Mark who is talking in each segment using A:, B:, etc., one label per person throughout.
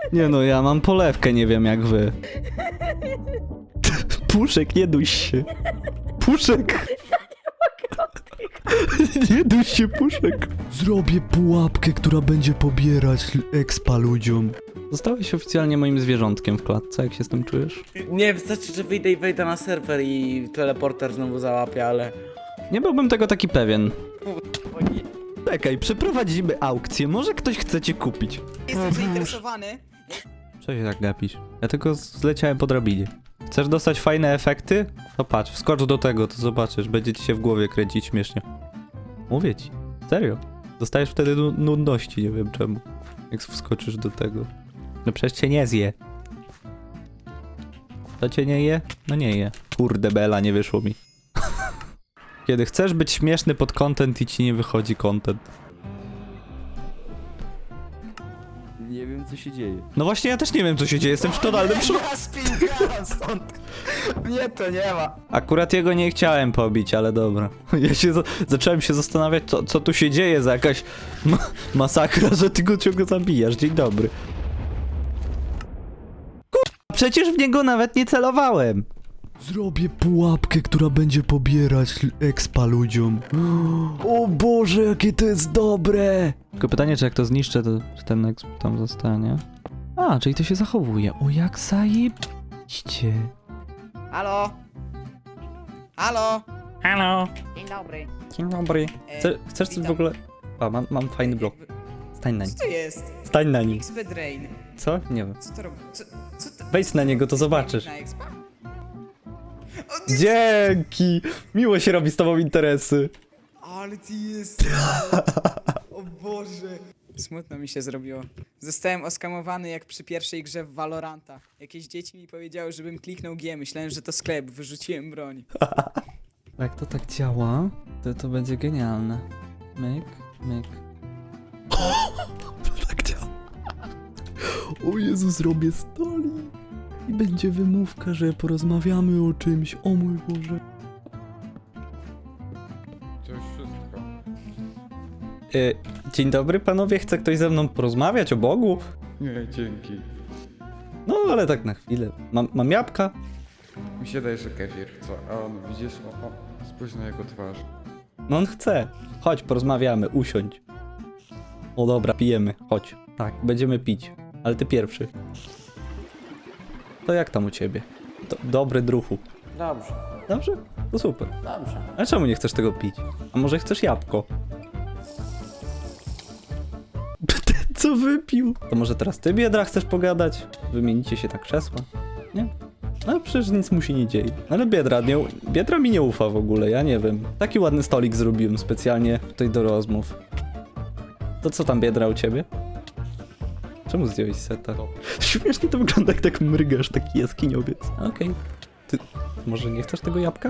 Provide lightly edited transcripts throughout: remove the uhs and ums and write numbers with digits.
A: Nie no, ja mam polewkę, nie wiem jak wy. Puszek, nie duś się. Puszek! Nie duś się, Puszek. Zrobię pułapkę, która będzie pobierać expa ludziom. Zostałeś oficjalnie moim zwierzątkiem w klatce, jak się z tym czujesz?
B: Nie, wystarczy, że wyjdę i wejdę na serwer i teleporter znowu załapie, ale...
A: Nie byłbym tego taki pewien. Czekaj, przeprowadzimy aukcję, może ktoś chce cię kupić.
C: Jestem zainteresowany.
A: Co się tak gapisz? Ja tylko zleciałem po drabinie. Chcesz dostać fajne efekty? To patrz, wskocz do tego, to zobaczysz, będzie ci się w głowie kręcić śmiesznie. Mówię ci, serio. Dostajesz wtedy nudności, nie wiem czemu. Jak wskoczysz do tego. No przecież cię nie zje. To cię nie je? No nie je. Kurde bela, nie wyszło mi. Kiedy chcesz być śmieszny pod content i ci nie wychodzi content.
D: Nie wiem co się dzieje.
A: No właśnie ja też nie wiem co się dzieje, jestem w totalnym szoku.
C: Ja spinam stąd. Mnie to nie ma.
A: Akurat jego nie chciałem pobić, ale dobra. Ja się zacząłem się zastanawiać, co tu się dzieje za jakaś masakra, że ty go ciągle zabijasz. Dzień dobry. Przecież w niego nawet nie celowałem. Zrobię pułapkę, która będzie pobierać expa ludziom. O Boże, jakie to jest dobre! Tylko pytanie, czy jak to zniszczę, to czy ten exp tam zostanie? A, czyli to się zachowuje. O, jak zajebiście.
C: Halo? Halo?
B: Halo!
C: Dzień dobry.
A: Dzień dobry. Chcesz coś w
C: witam.
A: ogóle... A, mam fajny blok. Stań na nim.
C: Co to jest?
A: Stań na nim.
C: XP Drain.
A: Co? Nie wiem.
C: Co to robi? Co to...
A: Wejdź na niego, to zobaczysz.
C: Na expa?
A: Dzięki! Miło się robi z tobą interesy.
C: Ale ty jest. O Boże. Smutno mi się zrobiło. Zostałem oskamowany jak przy pierwszej grze w Valoranta. Jakieś dzieci mi powiedziały, żebym kliknął G. Myślałem, że to sklep. Wyrzuciłem broń.
A: Jak to tak działa, to będzie genialne. Myk, myk. To tak działa. O Jezu, zrobię stolik. I będzie wymówka, że porozmawiamy o czymś. O mój Boże.
D: To już wszystko.
A: Dzień dobry panowie, chce ktoś ze mną porozmawiać o Bogu?
D: Nie, dzięki.
A: No ale tak na chwilę. Mam jabłka?
D: Mi się daje, że kefir, co? A on, widzisz? O, spójrz na jego twarz.
A: No on chce. Chodź, porozmawiamy, usiądź. O dobra, pijemy, chodź. Tak, będziemy pić, ale ty pierwszy. To jak tam u ciebie? Dobry druhu.
B: Dobrze,
A: Dobrze? To super.
B: dobrze.
A: Ale czemu nie chcesz tego pić? A może chcesz jabłko? Co wypił? To może teraz ty, biedra, chcesz pogadać? Wymienicie się na krzesła? Nie? No przecież nic mu się nie dzieje. Ale biedra mi nie ufa w ogóle, ja nie wiem. Taki ładny stolik zrobiłem specjalnie tutaj do rozmów. To co tam, biedra, u ciebie? Czemu zdjąłeś seta? Śmiesznie to wygląda, jak tak mrygasz, taki jaskiniowiec. Okej. Ty może nie chcesz tego jabłka?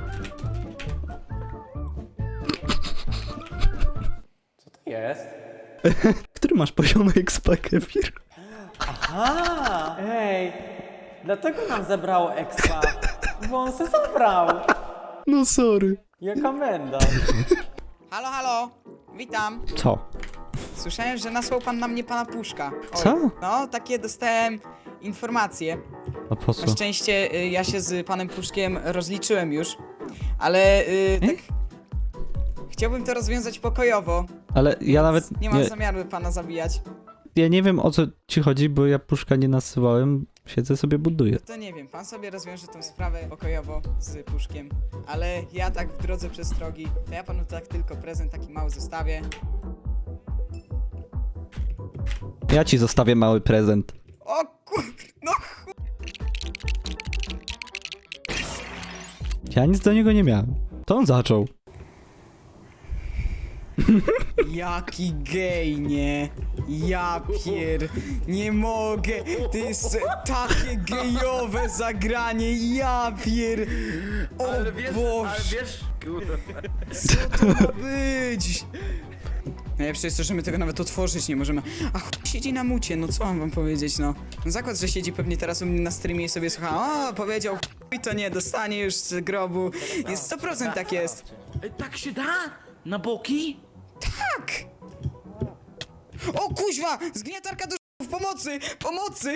B: Co to jest?
A: Który masz poziomy expa, kefir?
B: A, ej! Dlatego nam zabrało expa, bo on se zabrał.
A: No sorry.
B: Jaka menda.
C: Halo, halo. Witam.
A: Co?
C: Słyszałem, że nasłał pan na mnie pana Puszka. Oj,
A: Co?
C: No, takie dostałem informacje.
A: A po co?
C: Na szczęście ja się z panem Puszkiem rozliczyłem już, ale tak... Chciałbym to rozwiązać pokojowo.
A: Ale ja nawet
C: Nie mam zamiaru pana zabijać.
A: ja nie wiem o co ci chodzi, bo ja puszka nie nasyłałem. Siedzę sobie, buduję.
C: To nie wiem, pan sobie rozwiąże tą sprawę pokojowo z Puszkiem. Ale ja tak w drodze przestrogi, to ja panu tak tylko prezent taki mały zostawię.
A: Ja ci zostawię mały prezent.
C: O kur... no
A: Ja nic do niego nie miałem. To on zaczął.
C: Jaki gej, nie? Ja pier... Nie mogę! To jest takie gejowe zagranie, ja pier... O Boże! Co to ma być? Najlepsze jest to, że my tego nawet otworzyć nie możemy. A siedzi na mucie, no co mam wam powiedzieć, no. No zakład, że siedzi pewnie teraz u mnie na streamie i sobie słucha, o, powiedział to nie, dostanie już z grobu. Jest 100% tak jest.
B: Tak się da? Na boki?
C: Tak! O kuźwa! Zgniatarka do Pomocy! Pomocy!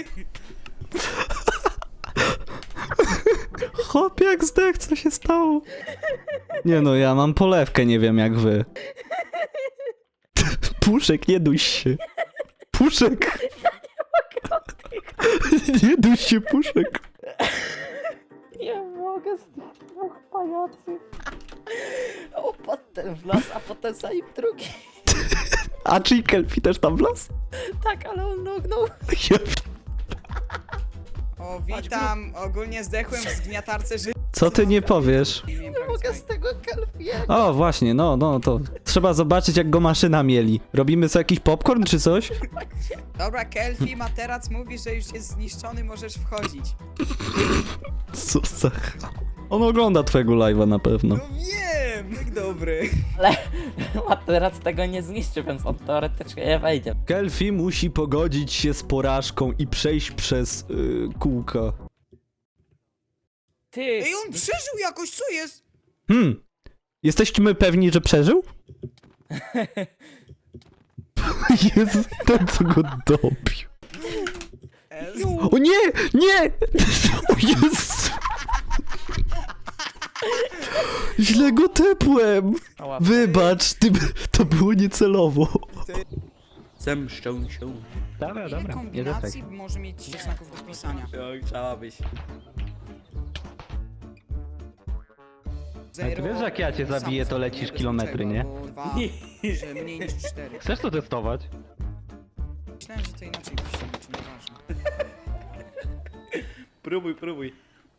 A: Chłop jak zdech, co się stało? Nie no, ja mam polewkę, nie wiem jak wy. Puszek, nie duś się. Puszek! Nie duś się, Puszek.
B: Nie mogę z tych dwóch pajacy. Opadł ten w las, a potem za nim drugi.
A: A czy Kelfi też tam wlazł?
B: Tak, ale on nognął.
A: Ja...
C: O, witam. Ogólnie zdechłem w zgniatarce życia.
A: Co ty nie powiesz?
C: Nie
B: Mogę z tego kelpie.
A: O, właśnie, no, to trzeba zobaczyć jak go maszyna mieli. Robimy sobie jakiś popcorn czy coś?
C: Dobra, Kelfi, materac mówi, że już jest zniszczony, możesz wchodzić.
A: Co za... On ogląda twojego live'a na pewno.
C: No wiem, jak dobry.
B: Ale materac tego nie zniszczy, więc on teoretycznie nie wejdzie.
A: Kelfi musi pogodzić się z porażką i przejść przez kółka.
B: Ty,
C: Ej, on przeżył jakoś, co jest?
A: Jesteśmy pewni, że przeżył? Jezu, ten co go dobił. O nie! Nie! O Jezu! Źle go tepłem!
B: Ała.
A: Wybacz, to było niecelowo.
B: zemszczą się.
A: Dobra,
C: Ile kombinacji może mieć znaków do wpisania?
B: Chciałabyś.
C: Zero,
A: wiesz, że jak ja cię zabiję, to lecisz
C: bez
A: kilometry, nie?
C: niczego, bo 2, że mniej niż 4.
A: Chcesz to testować?
C: Myślałem, że to inaczej piszemy, czy nieważne.
B: Próbuj.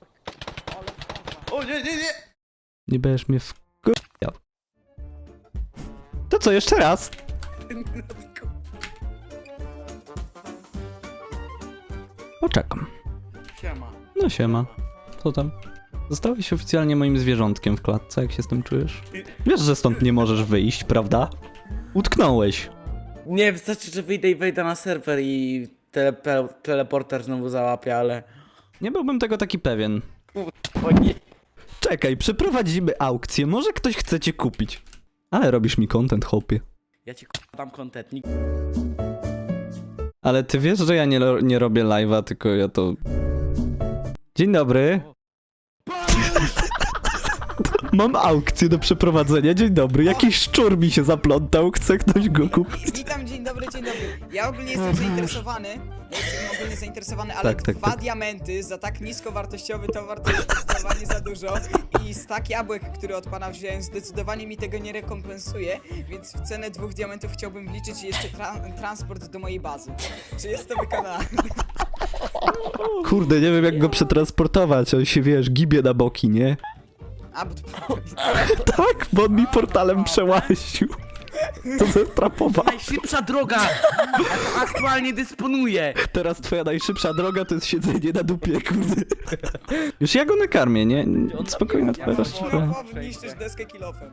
B: O nie!
A: Nie będziesz mnie wkurwiał. To co, jeszcze raz? Poczekam.
C: Siema.
A: No siema. Co tam? Zostałeś oficjalnie moim zwierzątkiem w klatce, jak się z tym czujesz? Wiesz, że stąd nie możesz wyjść, prawda? Utknąłeś.
B: Nie, wystarczy, że wyjdę i wejdę na serwer i teleporter znowu załapie, ale...
A: Nie byłbym tego taki pewien.
B: O nie.
A: Czekaj, przeprowadzimy aukcję, może ktoś chce cię kupić. Ale robisz mi content, chłopie.
B: Ja ci dam content.
A: Ale ty wiesz, że ja nie robię live'a, tylko ja to... Dzień dobry. Mam aukcję do przeprowadzenia, dzień dobry. Jakiś szczur mi się zaplątał, chce ktoś go kupić.
C: Witam, dzień dobry. Ja ogólnie jestem zainteresowany. Ale
A: Tak,
C: 2
A: tak.
C: diamenty za tak niskowartościowy towar to jest zdecydowanie za dużo. I stak jabłek, który od pana wziąłem, zdecydowanie mi tego nie rekompensuje, więc w cenę 2 diamentów chciałbym wliczyć jeszcze transport do mojej bazy. Czy jest to wykonane?
A: Kurde, nie wiem jak go przetransportować, on się, wiesz, gibie na boki, nie?
C: A, bo to...
A: Tak, bo on mi portalem przełaził. To zestrapował.
B: Najszybsza droga! Ja aktualnie dysponuję!
A: Teraz twoja najszybsza droga to jest siedzenie na dupie, kurde. Już ja go nakarmię, nie? Spokojnie, twoja rozczepia.
C: Niszczysz deskę kilofem.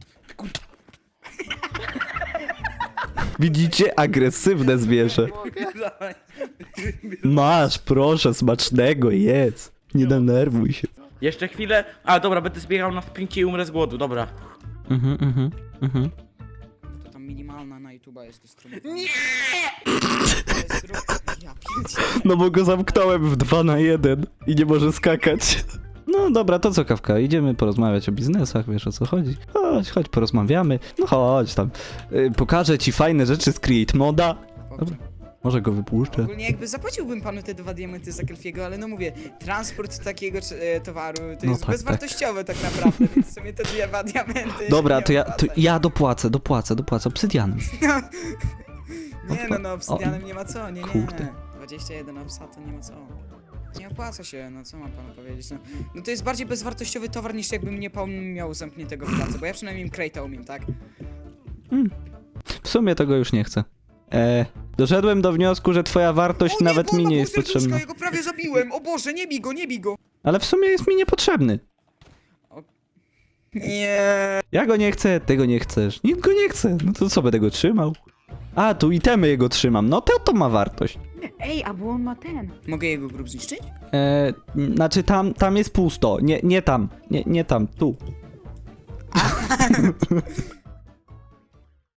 A: Widzicie? Agresywne zwierzę. Masz, proszę, smacznego, jedz. Nie denerwuj się.
B: Jeszcze chwilę. A dobra, będę zbiegał na sprincie i umrę z głodu, dobra.
C: To tam minimalna na YouTube'a jest dystrybucja.
B: Nie!
C: Ja pierdzie.
A: No bo go zamknąłem w 2 na 1 i nie może skakać. No dobra, to co Kawka, idziemy porozmawiać o biznesach, wiesz o co chodzi. Chodź, porozmawiamy. No chodź tam. Pokażę ci fajne rzeczy z Create Moda. Dobra, może go wypuszczę.
C: Ogólnie jakby zapłaciłbym panu te 2 diamenty za Kelfiego, ale no mówię, transport takiego towaru to
A: No
C: jest
A: tak,
C: bezwartościowe tak naprawdę, więc w sumie te 2 diamenty
A: Dobra,
C: się
A: to
C: nie
A: ja
C: opłaca.
A: dopłacę obsydianem.
C: Nie no, obsydianem nie ma co, nie.
A: Kurde.
C: 21 obsa to nie ma co. Nie opłaca się, no co mam panu powiedzieć, no to jest bardziej bezwartościowy towar niż jakbym nie miał zamkniętego w pracy, bo ja przynajmniej Crate'a umiem, tak?
A: W sumie tego już nie chcę. Doszedłem do wniosku, że twoja wartość
C: O
A: nawet mi nie jest
C: serduszka,
A: potrzebna.
C: Ja go prawie zabiłem, o Boże, nie bij go!
A: Ale w sumie jest mi niepotrzebny.
C: Nie.
A: Ja go nie chcę, tego nie chcesz. Nikt go nie chce. No to co, będę go trzymał? A, tu itemy jego trzymam. No to ma wartość.
C: Ej, a bo on ma ten. Mogę jego grób zniszczyć?
A: Znaczy tam jest pusto. Nie tam. Nie tam, tu.